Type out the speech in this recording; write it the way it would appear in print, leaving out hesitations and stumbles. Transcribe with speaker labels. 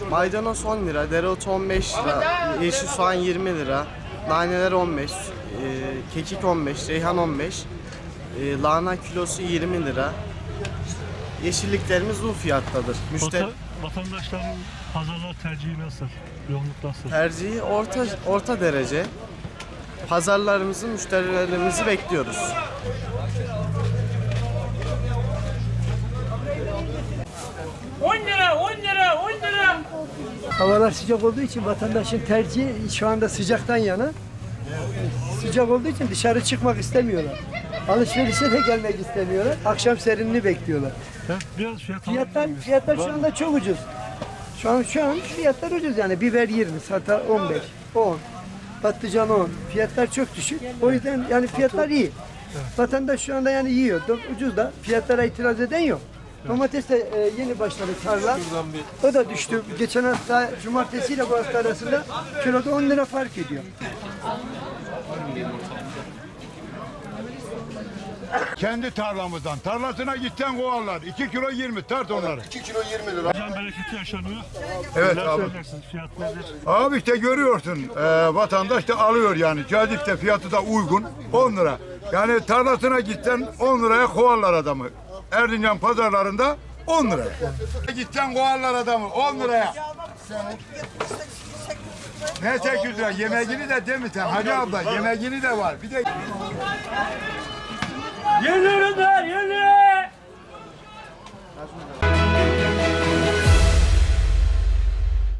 Speaker 1: Maydanoz 10 lira, dereotu 15 lira, yeşil soğan 20 lira, naneler 15, kekik 15, reyhan 15, lahana kilosu 20 lira. Yeşilliklerimiz bu fiyattadır.
Speaker 2: Vatandaşların pazarlar tercihi nasıl? Yoğunluk nasıl?
Speaker 1: Tercihi orta derece. Pazarlarımızı, müşterilerimizi bekliyoruz.
Speaker 3: Havalar sıcak olduğu için vatandaşın tercihi şu anda sıcaktan yana. Sıcak olduğu için dışarı çıkmak istemiyorlar. Alışverişe de gelmek istemiyorlar. Akşam serinliğini bekliyorlar.
Speaker 2: Biraz
Speaker 3: Fiyatlar şu anda çok ucuz. Şu an fiyatlar ucuz yani. Biber 20, salata 15, 10, patlıcan 10. Fiyatlar çok düşük. O yüzden yani fiyatlar iyi. Vatandaş şu anda yani yiyor. Ucuz da fiyatlara itiraz eden yok. Domates de yeni başladı tarla. O da düştü. Geçen hafta cumartesi ile bu hafta arasında kiloda 10 lira fark ediyor.
Speaker 4: Kendi tarlamızdan. Tarlasına gitten kovarlar. 2 kilo 20 tart onları.
Speaker 5: 2 kilo 20 lira.
Speaker 2: can bereketi yaşanıyor.
Speaker 4: Evet
Speaker 2: Neler
Speaker 4: abi.
Speaker 2: söyleyeceksiniz? Fiyat nedir?
Speaker 4: Abi işte görüyorsun vatandaş da alıyor yani. Cazipte fiyatı da uygun 10 lira. Yani tarlasına gitten 10 liraya kovarlar adamı. Erzincan pazarlarında 10 lira. Gitten kovarlar adamı 10 liraya. Ne 800 lira? Yemeğini de değil mi sen? Hacı abla yemeğini de var. Bir de
Speaker 2: Yerli ürünler, yerli!